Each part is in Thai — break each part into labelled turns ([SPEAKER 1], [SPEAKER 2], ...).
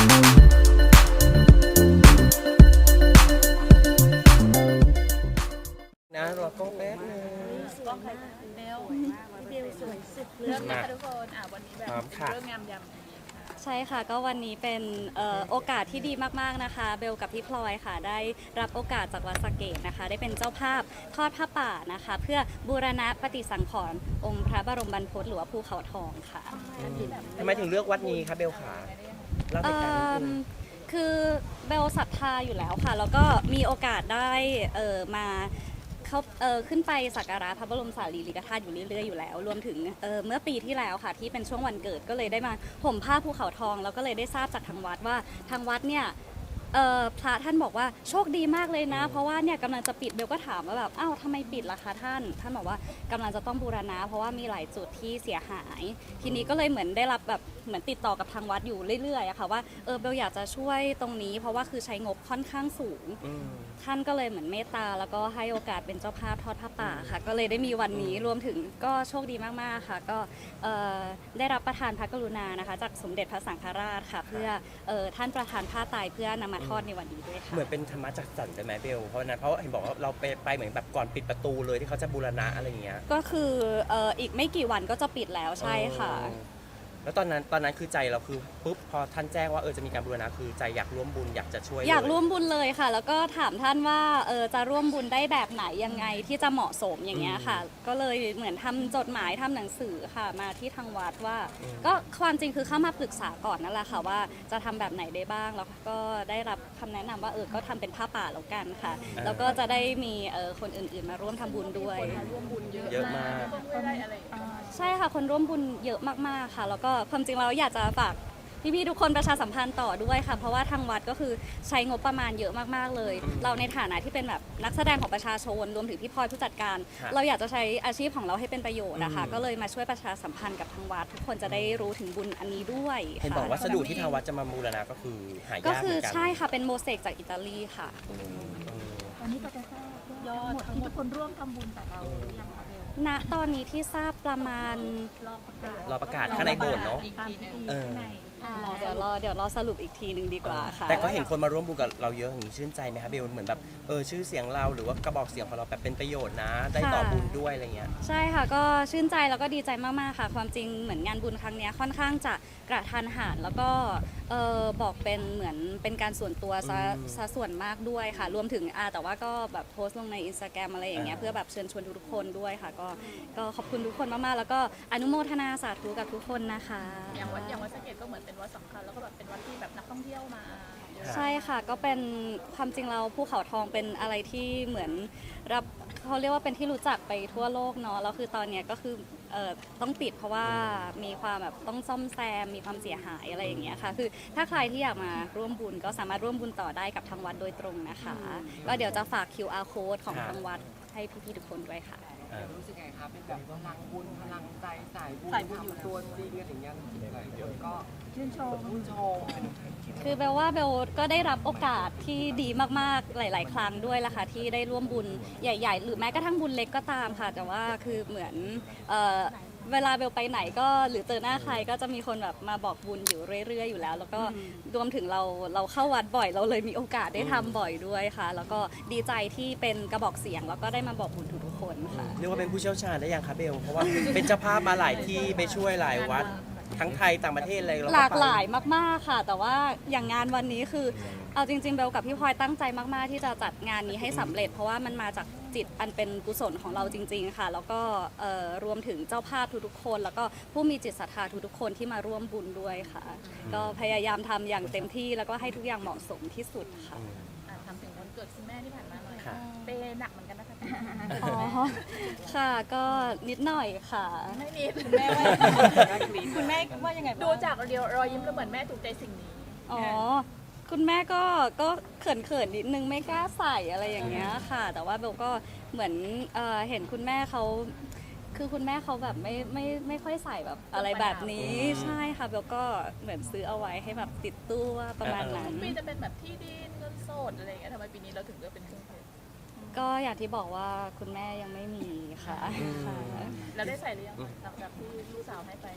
[SPEAKER 1] นะรอก็แป๊บนึง
[SPEAKER 2] กล้องใครเบลเบลสวยสุดเรื่องนะคะทุกคนวันนี้แบบเรื่องงามยำ
[SPEAKER 3] ใช่ค่ะก็วันนี้เป็นโอกาสที่ดีมากๆนะคะเบลกับพี่พลอยค่ะได้รับโอกาสจากวัดสะเกษนะคะได้เป็นเจ้าภาพทอดผ้าป่านะคะเพื่อบูรณะปฏิสังขรณ์องค์พระบรมบรรพตหรือว่าภูเขาทองค่ะ
[SPEAKER 1] ทำไมถึงเลือกวัดนี้คะเบลขาเล่าเหตุการณ์นิดนึง
[SPEAKER 3] คือเบลศรัทธาอยู่แล้วค่ะแล้วก็มีโอกาสได้มาเขาขึ้นไปสักการะพระบรมสารีริกธาตุอยู่เรื่อยๆอยู่แล้วรวมถึงเมื่อปีที่แล้วค่ะที่เป็นช่วงวันเกิดก็เลยได้มาห่มผ้าภูเขาทองแล้วก็เลยได้ทราบจากทางวัดว่าทางวัดเนี่ยพระท่านบอกว่าโชคดีมากเลยนะเพราะว่าเนี่ยกำลังจะปิดเบลก็ถามว่าแบบอ้าวทำไมปิดล่ะคะท่านบอกว่ากำลังจะต้องบูรณะเพราะว่ามีหลายจุดที่เสียหายทีนี้ก็เลยเหมือนได้รับแบบเหมือนติดต่อกับทางวัดอยู่เรื่อยๆอะค่ะว่าเบลอยากจะช่วยตรงนี้เพราะว่าคือใช้งบค่อนข้างสูงท่านก็เลยเหมือนเมตตาแล้วก็ให้โอกาสเป็นเจ้าภาพทอดผ้าป่าค่ะก็เลยได้มีวันนี้รวมถึงก็โชคดีมากๆค่ะก็ได้รับประทานพระกรุณานะคะจากสมเด็จพระสังฆราชค่ะเพื่อท่านประทานผ้าไตรเพื่อนำมาทอดในวันนี้ด้วยค่ะ
[SPEAKER 1] เหมือนเป็นธรรมะจักสรรใช่ไหมเบลเพราะนั้นเพราะเห็นบอกว่าเราไปเหมือนแบบก่อนปิดประตูเลยที่เขาจะบูรณะอะไรอย่างเงี้ย
[SPEAKER 3] ก็คืออีกไม่กี่วันก็จะปิดแล้วใช่ค่ะ
[SPEAKER 1] แล้วตอนนั้นคือใจเราคือปุ๊บพอท่านแจ้งว่าจะมีการบูรณะคือใจอยากร่วมบุญอยากจะช่วย
[SPEAKER 3] อยากร่วมบุญเลยค่ะแล้วก็ถามท่านว่าจะร่วมบุญได้แบบไหนยังไงที่จะเหมาะสมอย่างเงี้ยค่ะก็เลยเหมือนทำจดหมายทำหนังสือค่ะมาที่ทางวัดว่าก็ความจริงคือเข้ามาปรึกษาก่อนนั่นแหละค่ะว่าจะทำแบบไหนได้บ้างแล้วก็ได้รับคำแนะนำว่าก็ทำเป็นผ้าป่าแล้วกันค่ะแล้วก็จะได้มีคนอื่นๆมาร่วมทำบุญด้วย
[SPEAKER 2] ร่วมบุญเยอะมากได้อะไร
[SPEAKER 3] ใช่ค่ะคนร่วมบุญเยอะมากๆค่ะแล้วก็ความจริงเราอยากจะฝากพี่ๆทุกคนประชาสัมพันธ์ต่อด้วยค่ะเพราะว่าทางวัดก็คือใช้งบประมาณเยอะมากๆเลยเราในฐานะที่เป็นแบบนักแสดงของประชาชนรวมถึงพี่พลอยผู้จัดการเราอยากจะใช้อาชีพของเราให้เป็นประโยชน์นะคะก็เลยมาช่วยประชาสัมพันธ์กับทางวัดทุกคนจะได้รู้ถึงบุญอันนี้ด้วย
[SPEAKER 1] เห็นบอกวัสดุที่ทางวัดจะมาบูรณะก็คือหายากเหมือนกันก็
[SPEAKER 3] คือใช่ค่ะเป็นโมเสกจากอิตาลีค่ะ
[SPEAKER 2] ตอนนี้ก็จะทราบยอดทั้งหมดที่ทุกคนร่วมทำบุญกับเราหรือยังคะ
[SPEAKER 3] ณตอนนี้ที่ทราบประมาณ
[SPEAKER 1] รอประกาศข้างในโบสถ์เนาะ
[SPEAKER 3] เดี๋ยวรอสรุปอีกทีหนึ่งดีกว่าค่ะ
[SPEAKER 1] แต่ก็เห็นคนมาร่วมบุญกับเราเยอะอย่างนี้ชื่นใจไหมคะเบลเหมือนแบบชื่อเสียงเราหรือว่ากระบอกเสียงของเราแบบเป็นประโยชน์นะได้ต่อบุญด้วยอะไรเงี้ย
[SPEAKER 3] ใช่ค่ะก็ชื่นใจแล้วก็ดีใจมากๆค่ะความจริงเหมือนงานบุญครั้งนี้ค่อนข้างจะกระทันหันแล้วก็บอกเป็นเหมือนเป็นการส่วนตัวซะส่วนมากด้วยค่ะรวมถึงแต่ว่าก็แบบโพสต์ลงใน Instagram อะไรอย่างเงี้ยเพื่อแบบเชิญชวนทุกคนด้วยค่ะก็ขอบคุณทุกคนมากๆแล้วก็อนุโมทนาสาธุกับทุกคนนะคะ
[SPEAKER 2] อย่างวัดสะเกษก็เหมือนเป็นวัดสำคัญแล้วก็แบบเป็นวัดที่แบบนักท่องเที่ยวมา
[SPEAKER 3] ใช่ค่ะก็เป็นความจริงเราภูเขาทองเป็นอะไรที่เหมือนรับเขาเรียกว่าเป็นที่รู้จักไปทั่วโลกเนาะแล้วคือตอนนี้ก็คือต้องปิดเพราะว่ามีความแบบต้องซ่อมแซมมีความเสียหายอะไรอย่างเงี้ยค่ะคือถ้าใครที่อยากมาร่วมบุญก็สามารถร่วมบุญต่อได้กับทางวัดโดยตรงนะคะก็เดี๋ยวจะฝาก QR code ของทางวัดให้พี่ๆทุกคนด้วยค่ะ
[SPEAKER 4] รู้สึกไงคะเป็นแบบพลังบุญพลังใจสายบุญอยู่ตัวจริงอะไรอย่างเงี้ยก็ชื่นชม
[SPEAKER 3] คือเบลว่าเบลก็ได้รับโอกาสที่ดีมากๆหลายๆครั้งด้วยล่ะค่ะที่ได้ร่วมบุญใหญ่ๆหรือแม้กระทั่งบุญเล็กก็ตามค่ะแต่ว่าคือเหมือนเวลาเบลไปไหนก็หรือเจอหน้าใครก็จะมีคนแบบมาบอกบุญอยู่เรื่อยๆอยู่แล้วแล้วก็รวมถึงเราเข้าวัดบ่อยเราเลยมีโอกาสได้ทำบ่อยด้วยค่ะแล้วก็ดีใจที่เป็นกระบอกเสียงแล้วก็ได้มาบอกบุญทุกคนค่ะ
[SPEAKER 1] เรียกว่าเป็นผู้เชี่ยวชาญได้ยังคะเบลเพราะว่าเป็นเจ้าภาพมาหลายที่ไปช่วยหลายวัดทั้งไทยต่างประเทศอะไร
[SPEAKER 3] หลากหลายมากๆค่ะแต่ว่าอย่างงานวันนี้คือเอาจริงๆเบลกับพี่พลอยตั้งใจมากๆที่จะจัดงานนี้ให้สำเร็จเพราะว่ามันมาจากจิตอันเป็นกุศลของเราจริงๆค่ะแล้วก็รวมถึงเจ้าภาพทุกๆคนแล้วก็ผู้มีจิตศรัทธาทุกๆคนที่มาร่วมบุญด้วยค่ะก็พยายามทำอย่างเต็มที่แล้วก็ให้ทุกอย่างเหมาะสมที่สุดค่ะ
[SPEAKER 2] ทำถึงวันเกิดคุณแม่ที่ผ่านมาหน่อยเปหนักเหมือนกันนะคะ
[SPEAKER 3] อ๋อค่ะก็นิดหน่อยค่ะ
[SPEAKER 2] ไม่มีคุณแม่ว่าคุณแม่ว่ายังไงดูจากรอยยิ้มแล้วเหมือนแม่ถูกใจสิ่งนี้
[SPEAKER 3] อ๋อคุณแม่ก็เขินนิดนึงไม่กล้าใส่อะไรอย่างเงี้ยค่ะแต่ว่าเบลก็เหมือนเห็นคุณแม่เขาคือคุณแม่เขาแบบไม่ค่อยใส่แบบอะไรแบบนี้ใช่ค่ะเบลก็เหมือนซื้อเอาไว้ให้แบบติดตัวประมาณนั้น
[SPEAKER 2] ปีจะเป็นแบบที่ดินเงินสดอะไรอย่างเงี้ยทำไมปีนี้เราถึงเลือกเป็นเครื่องเพชร
[SPEAKER 3] ก็อย่างที่บอกว่าคุณแม่ยังไม่มีค่ะ
[SPEAKER 2] แล้วได้ใส่หรือยังหลังจากที่ลูกสาวให้ไป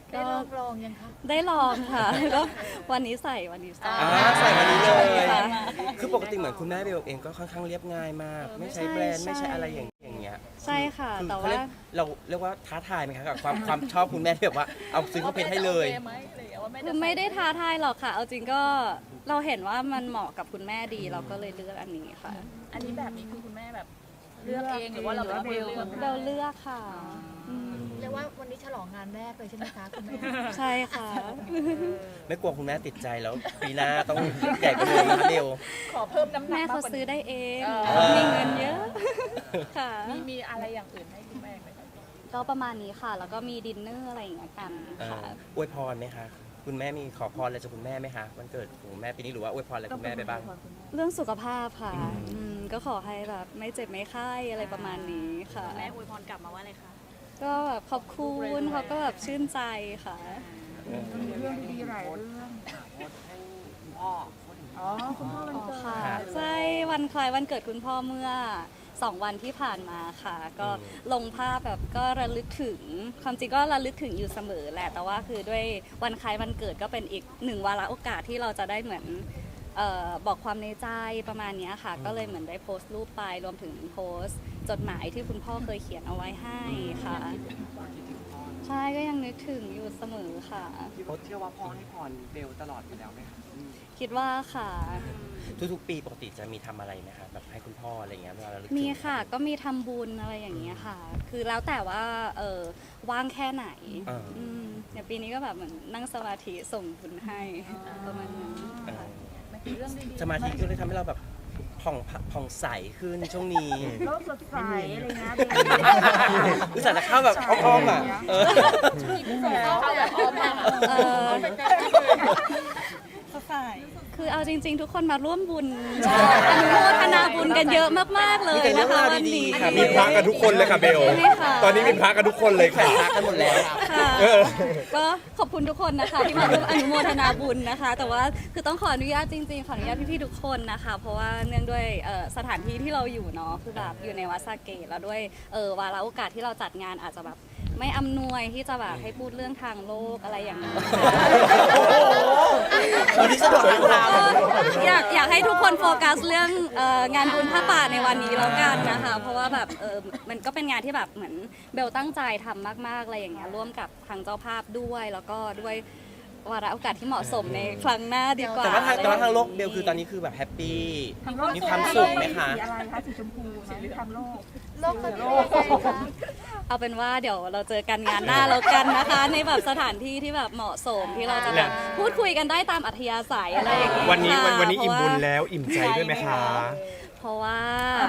[SPEAKER 2] ได้ลองยังคะ
[SPEAKER 3] ได้ลองค่ะ ก็วันนี้ใส่
[SPEAKER 1] ใส่วันนี้เลย
[SPEAKER 3] ค่ะ
[SPEAKER 1] คือปกติเหมือนคุณแม่เบลเองก็ค่อนข้างเรียบง่ายมาก ไม่ใช้แบรนด์
[SPEAKER 3] ใช่
[SPEAKER 1] ไม่ใช้อะไรอย่างเงี้ย
[SPEAKER 3] ใช่ค่ะ
[SPEAKER 1] คือ
[SPEAKER 3] แต่
[SPEAKER 1] เขา
[SPEAKER 3] ว่า
[SPEAKER 1] เราเรียกว่าท้าทายไหมคะกับความชอบคุณแม่ที่แบบว่าเอาซื้อเครื่องเพชรให้เลย
[SPEAKER 2] โอคไหมหรือว่าไม่
[SPEAKER 3] คือไม่ได้ท้าทายหรอกค่ะ เอาจริงก็เราเห็นว่ามันเหมาะกับคุณแม่ดีเราก็เลยเลือกอันนี้ค่ะ
[SPEAKER 2] อันนี้แบบนี้คือคุณแม่แบบเลือกเองหรือว่าเราเป็นคนเลือก
[SPEAKER 3] เบลเลือกค่ะม
[SPEAKER 5] เรียกว่าวันนี้ฉลองงานแรกเลยใช่ไหมคะคุณแม่
[SPEAKER 3] ใช่ค่ะ
[SPEAKER 1] ไม่กลัวคุณแม่ติดใจแล้วปีหน้าต้องใหญ่กว่าเดิมนะคะเบล
[SPEAKER 2] ขอเพิ่มน้ำหนัก
[SPEAKER 3] แม่
[SPEAKER 2] มาก
[SPEAKER 3] เขา
[SPEAKER 2] กว่า
[SPEAKER 3] ซื้อ
[SPEAKER 2] นี้
[SPEAKER 3] ได้เอง
[SPEAKER 2] เออ
[SPEAKER 3] มีเงินเยอะ ค่ะ
[SPEAKER 2] มีอะไรอย่างอื่นให้คุณแม่ไหมคะ
[SPEAKER 3] ก็ประมาณนี้ค่ะ แล้วก็มีดินเนอร์อะไรอย่างเงี้ยกันค่ะ
[SPEAKER 1] อวยพรไหมคะคุณแม่มีขอพรอะไรจากคุณแม่ไหมคะวันเกิดของคุณแม่ปีนี้หรือว่าอวยพรอะไรคุณแม่ไปบ้าง
[SPEAKER 3] เรื่องสุขภาพค่ะก็ขอให้แบบไม่เจ็บไม่ไข้อะไรประมาณนี้ค่ะ
[SPEAKER 2] แม่อวยพรกลับมาว่าอะไรคะ
[SPEAKER 3] ก็แบบขอบคุณเขาก็แบบชื่นใจค่ะ
[SPEAKER 4] เรื่องดีๆหลายเรื่องโพสต์ให้คุณพ่อพูดถึง
[SPEAKER 5] อ๋อ คุณพ่อวันเกิด
[SPEAKER 3] ค่ะใช่วันคล้ายวันเกิดคุณพ่อเมื่อ 2 วันที่ผ่านมาค่ะ ก็ลงภาพแบบก็ระลึกถึงความจริงก็ระลึกถึงอยู่เสมอแหละแต่ว่าคือด้วยวันคล้ายวันเกิดก็เป็นอีกหนึ่งวาระโอกาสที่เราจะได้เหมือนบอกความในใจประมาณเนี้ยค่ะ ก็เลยเหมือนได้โพสต์รูปไปรวมถึงโพสต์จดหมายที่คุณพ่อเคยเขียนเอาไว้ให้ค่ะ ใช่ก็ยังนึกถึงอยู่เสมอค่ะ
[SPEAKER 4] พี่โพสต์เชื่อว่าพ่อให้พรเบลตลอดอยู่แล้วไหมคะ
[SPEAKER 3] คิดว่าค่ะ
[SPEAKER 1] ทุกๆปีปกติจะมีทำอะไรไหมคะแบบให้คุณพ่ออะไรเงี้ยเวลาเราลึกถึง
[SPEAKER 3] มีค่ะก็มีทำบุญอะไรอย่างเงี้ยค่ะ คือแล้วแต่ว่าว่างแค่ไหนอย่างปีนี้ก็แบบเหมือนนั่งสมาธิส่งบุญให้ประมาณนั้น
[SPEAKER 1] เออ
[SPEAKER 2] มันคือเรื่องดีๆ
[SPEAKER 1] สมาธิก็เลยทำให้เราแบบผ่องใสขึ้นช่วงนี้
[SPEAKER 5] โลกสดใสอะไรเงี้ย
[SPEAKER 1] อุตส่าห์จะเข้าแบบอ้อมๆอ่ะเออ
[SPEAKER 2] เข้าแบบออมมากอะ
[SPEAKER 3] เออคือเอาจริง ๆ ทุกคนมาร่วมบุญอนุโมทนาบุญกันเยอะมากๆเลย
[SPEAKER 1] มีแต่เรื่
[SPEAKER 3] นะ
[SPEAKER 1] อง
[SPEAKER 3] คะ
[SPEAKER 1] ราว
[SPEAKER 3] วัน
[SPEAKER 1] ดี
[SPEAKER 3] นี้
[SPEAKER 1] ๆค่ะ
[SPEAKER 6] มีพระกันทุกคนเลยค่ะเบล
[SPEAKER 3] ใช่ไหมคะ
[SPEAKER 6] ตอนนี้มีพระกันทุกคนเลยค่ะ
[SPEAKER 1] พักกันหมดแล้ว
[SPEAKER 3] ค่ะ
[SPEAKER 6] เออ
[SPEAKER 3] ก็ขอบคุณทุกคนนะคะที่มาร่วมอนุโมทนาบุญนะคะ แต่ว่าคือต้องขออนุญาตจริงๆขออนุญาตพี่ๆทุกคนนะคะ เพราะว่าเนื่องด้วยสถานที่ที่เราอยู่เนาะคือแบบอยู่ในวัดสาเกตแล้วด้วยวาระโอกาสที่เราจัดงานอาจจะแบบไม่อำนวยที่จะแบบให้พูดเรื่องทางโลกอะไรอย่างนี้
[SPEAKER 1] วันนี้สะดวกทางเรา
[SPEAKER 3] อยากให้ทุกคนโฟกัสเรื่องงานบุญผ้าป่าในวันนี้แล้วกันนะคะ เพราะว่าแบบมันก็เป็นงานที่แบบเหมือนเบลตั้งใจทำมากๆอะไรอย่างเงี้ยร่วมกับทางเจ้าภาพด้วยแล้วก็ด้วยวาระโอกาสที่เหมาะสมในครั้งหน้าดีกว่า
[SPEAKER 1] แต่ว่าทางโลกเบลคือตอนนี้คือแบบแฮปปี้มีความสุขไหมคะ
[SPEAKER 5] สีอะไรคะสีชมพูไหมทำโลก
[SPEAKER 2] โลกเป็นยังไงคะ
[SPEAKER 3] เอาเป็นว่าเดี๋ยวเราเจอกันงานหน้าแล้วกันนะคะ ในแบบสถานที่ที่แบบเหมาะสมที่เราจะแบบพูดคุยกันได้ตามอัธยาศัยอะไรอย่างเงี้ย
[SPEAKER 6] วันนี้
[SPEAKER 3] ค่ะ
[SPEAKER 6] วันนี้อิ่มบุญ
[SPEAKER 3] เพราะว่า
[SPEAKER 6] แล้วอิ่มใจด้วยไหมคะ
[SPEAKER 3] เพราะว่า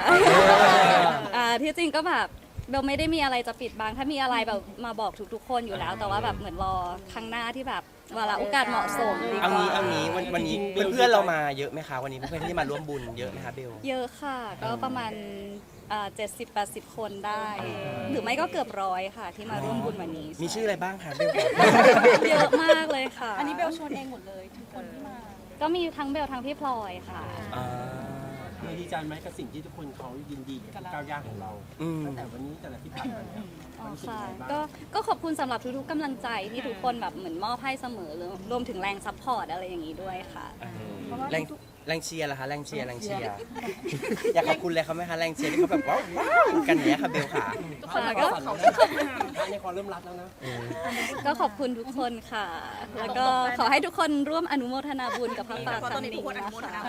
[SPEAKER 3] ที่จริงก็แบบเบลไม่ได้มีอะไรจะปิดบังถ้ามีอะไรแบบมาบอกทุกๆคนอยู่แล้ว แต่ว่าแบบเหมือนรอครั้งหน้าที่แบบวาระโอกาสเหมาะสมดีก
[SPEAKER 1] เอา
[SPEAKER 3] ว่า
[SPEAKER 1] งี้วันนี้เพื่อนๆเรามาเยอะไหมคะวันนี้เพื่อนๆที่มาร่วมบุญเยอะไหมคะเบล
[SPEAKER 3] เยอะค่ะ ก็ประมาณ70-80 คนได้ หรือไม่ก็เกือบร้อยค่ะ ที่มาร่วมบุญวันนี้
[SPEAKER 1] มีชื่ออะไรบ้างคะเบล
[SPEAKER 3] เยอะมากเลยค่ะ
[SPEAKER 2] อันนี้เบลชวนเองหมดเลยทุกคนที่มา
[SPEAKER 3] ก็มีทั้งเบลทั้งพี่พลอยค่ะ
[SPEAKER 1] อ่า
[SPEAKER 7] ดีใจไหมกับสิ่งที่ทุกคนเขายินดีกับก้าวย่างของเรา
[SPEAKER 1] อืม
[SPEAKER 7] ตั้งแต่วันนี้แต่ละที่ผ่านมาเนี่ย
[SPEAKER 3] อ๋อค่ะก็ขอบคุณสำหรับทุกๆกำลังใจที่ทุกคนแบบเหมือนมอบให้เสมอรวมถึงแรงซัพพอร์ตอะไรอย่างนี้ด้วยค่ะ
[SPEAKER 1] แรงเชียร์ล่ะคะแรงเชียร์อยากขอบคุณเลยเขาไหมคะแรงเชียร์ที่เขาแบบว้าวกันเนี้ยค่ะเบลค่ะ
[SPEAKER 3] ค่ะก็
[SPEAKER 7] ในความเริ่มรักแล้วนะ
[SPEAKER 3] ก็ขอบคุณทุกคนค่ะ แล้วก็ขอให้ทุกคนร่วมอนุโมทนาบุญกับพระป่าครั้งนี้นะคะ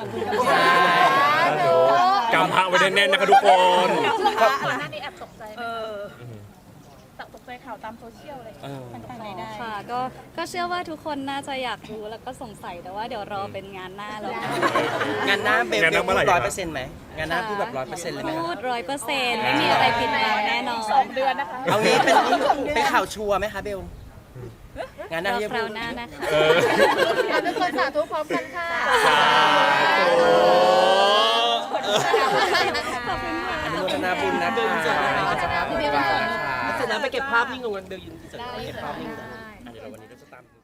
[SPEAKER 6] กำพระไว้แน่นๆนะคะทุกคน
[SPEAKER 2] ก่อนหน้านี้แอบตกใจไหมตกใจข่าวตามโซเชียลอะไรอย่างเงี้ยมันทางไหนได้
[SPEAKER 3] ค่ะก็เชื่อว่าทุกคนน่าจะอยากรู้แล้วก็สงสัยแต่ว่าเดี๋ยวรอเป็นงานหน้าแล้วกัน
[SPEAKER 1] งานหน้าเบล
[SPEAKER 6] งานหน้าเมื่อไหร่
[SPEAKER 1] พูด
[SPEAKER 6] ครับ
[SPEAKER 1] 100%ไหมงานหน้าพูดแบบ100%เลยไหมคะ
[SPEAKER 3] พูด100%ไม่มีอะไรผิดแปลงแน่นอน
[SPEAKER 2] 2 เดือนนะคะ
[SPEAKER 1] เอางี้เป็นข่าวชัวร์ไหมคะเบลงานหน้าร
[SPEAKER 3] อ
[SPEAKER 1] ที่
[SPEAKER 3] คราวหน้านะคะ
[SPEAKER 5] ทุกคนสาธุพร้อมกันค่ะ
[SPEAKER 3] ขอบคุณค่ะ
[SPEAKER 1] อนุโมทนาบุญนะคะ
[SPEAKER 7] เสร็จแล้วไปเก็บภาพนิ่งลงกันเบลยืนเสร็จแล้วไปเก็บภาพนิ่งกัน
[SPEAKER 1] เดี๋ยวเราวันนี้เราจะตาม